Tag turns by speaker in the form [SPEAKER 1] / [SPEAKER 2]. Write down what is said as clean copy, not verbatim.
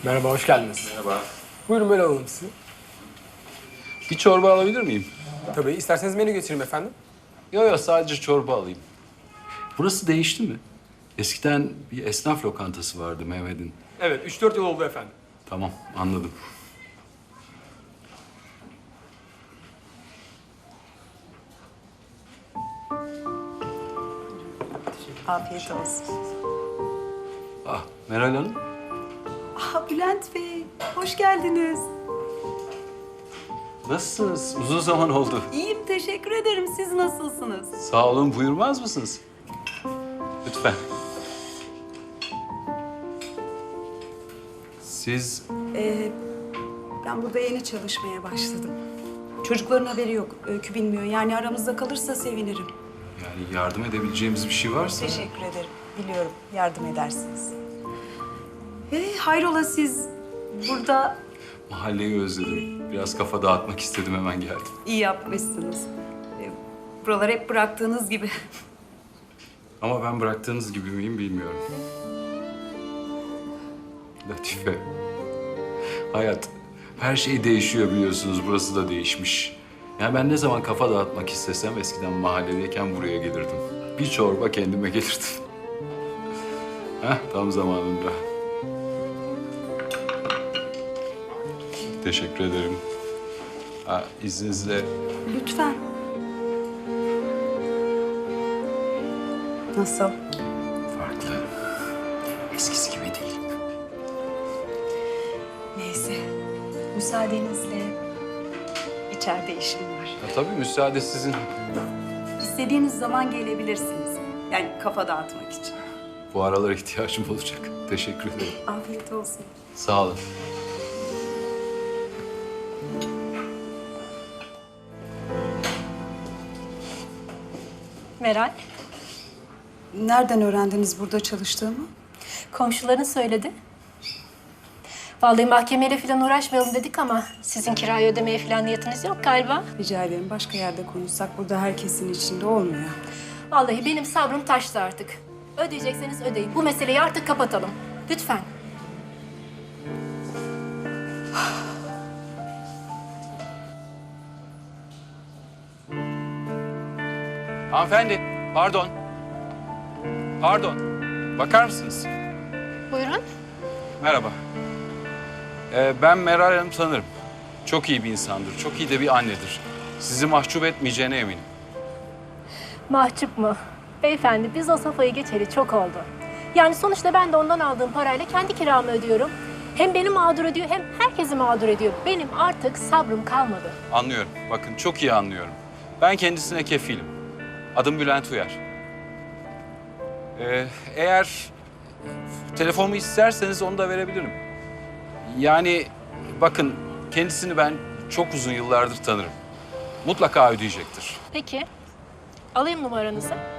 [SPEAKER 1] Merhaba, hoş geldiniz.
[SPEAKER 2] Merhaba.
[SPEAKER 1] Buyurun böyle alalım sizi.
[SPEAKER 2] Bir çorba alabilir miyim?
[SPEAKER 1] Tabii, isterseniz menü getireyim efendim.
[SPEAKER 2] Yok sadece çorba alayım. Burası değişti mi? Eskiden bir esnaf lokantası vardı Mehmet'in.
[SPEAKER 1] Evet, 3-4 yıl oldu efendim.
[SPEAKER 2] Tamam anladım.
[SPEAKER 3] Afiyet olsun.
[SPEAKER 2] Ah Meral Hanım.
[SPEAKER 3] Bülent Bey, hoş geldiniz.
[SPEAKER 2] Nasılsınız? Uzun zaman oldu.
[SPEAKER 3] İyiyim, teşekkür ederim. Siz nasılsınız?
[SPEAKER 2] Sağ olun, buyurmaz mısınız? Lütfen. Siz
[SPEAKER 3] Ben burada yeni çalışmaya başladım. Çocukların haberi yok, Öykü bilmiyor. Yani aramızda kalırsa sevinirim.
[SPEAKER 2] yani yardım edebileceğimiz bir şey varsa...
[SPEAKER 3] Teşekkür ederim. Biliyorum, yardım edersiniz. Hayrola siz burada
[SPEAKER 2] Mahalleyi özledim. Biraz kafa dağıtmak istedim, hemen geldim.
[SPEAKER 3] iyi yapmışsınız. Buralar hep bıraktığınız gibi.
[SPEAKER 2] Ama ben bıraktığınız gibi miyim bilmiyorum. Latife. Hayat. Her şey değişiyor biliyorsunuz. Burası da değişmiş. Yani ben ne zaman kafa dağıtmak istesem eskiden mahalledeyken buraya gelirdim. Bir çorba kendime gelirdim. Tam zamanında. Teşekkür ederim. İzninizle
[SPEAKER 3] Lütfen. Nasıl?
[SPEAKER 2] farklı. Eskisi gibi değil.
[SPEAKER 3] Neyse, müsaadenizle içeride işim var.
[SPEAKER 2] Tabii müsaade sizin.
[SPEAKER 3] İstediğiniz zaman gelebilirsiniz. Yani kafa dağıtmak için.
[SPEAKER 2] Bu aralar ihtiyacım olacak. Teşekkür ederim.
[SPEAKER 3] Afiyet olsun.
[SPEAKER 2] Sağ olun.
[SPEAKER 4] Meral,
[SPEAKER 3] Nereden öğrendiniz burada çalıştığımı?
[SPEAKER 4] komşuların söyledi. Vallahi mahkemeyle falan uğraşmayalım dedik ama sizin kirayı ödemeye falan niyetiniz yok galiba.
[SPEAKER 3] Rica ederim, başka yerde konuşsak burada herkesin içinde olmuyor.
[SPEAKER 4] Vallahi benim sabrım taştı artık. Ödeyecekseniz ödeyin. Bu meseleyi artık kapatalım. Lütfen.
[SPEAKER 2] Hanımefendi, pardon. Pardon. Bakar mısınız?
[SPEAKER 4] Buyurun.
[SPEAKER 2] Merhaba. Ben Meral Hanım tanırım. Çok iyi bir insandır, çok iyi de bir annedir. Sizi mahcup etmeyeceğine eminim.
[SPEAKER 4] Mahcup mu? Beyefendi biz o safhayı geçeli çok oldu. Yani sonuçta ben de ondan aldığım parayla kendi kiramı ödüyorum. Hem beni mağdur ediyor hem herkesi mağdur ediyor. Benim artık sabrım kalmadı.
[SPEAKER 2] Anlıyorum, bakın çok iyi anlıyorum. Ben kendisine kefilim. Adım Bülent Uyar. Eğer telefonumu isterseniz onu da verebilirim. Yani bakın kendisini ben çok uzun yıllardır tanırım. Mutlaka ödeyecektir.
[SPEAKER 4] Peki. Alayım numaranızı.